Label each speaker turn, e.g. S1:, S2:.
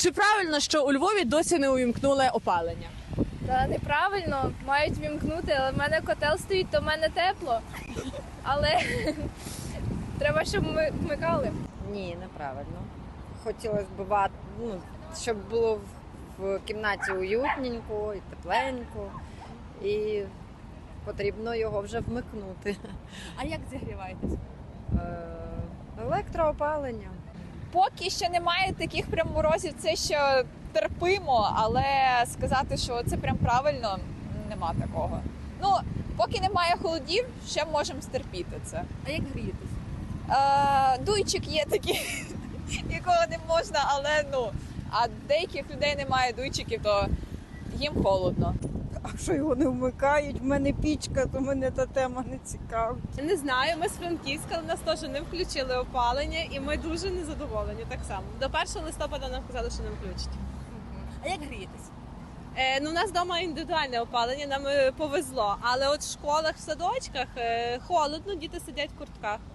S1: Чи правильно, що у Львові досі не увімкнули опалення?
S2: Та неправильно, мають вімкнути, але в мене котел стоїть, то в мене тепло. Але треба, щоб ми вмикали.
S3: Ні, неправильно. Хотілося б, щоб було в кімнаті уютненько і тепленько. І потрібно його вже вмикнути.
S1: А як зігріваєтесь?
S3: Електроопалення.
S4: Поки що немає таких прям морозів, це ще терпимо, але сказати, що це прям правильно, нема такого. Ну, поки немає холодів, ще можемо стерпіти це.
S1: А як грієтесь?
S4: Дуйчик є такий, якого не можна, але а деяких людей немає дуйчиків, то їм холодно.
S5: А що його не вмикають? В мене пічка, то мене та тема не цікавить.
S6: Не знаю, ми з Франківська, але нас теж не включили опалення, і ми дуже незадоволені так само. До 1 листопада нам казали, що не включать.
S1: А як грієтесь?
S6: У нас вдома індивідуальне опалення, нам повезло, але от в школах, в садочках холодно, діти сидять в куртках.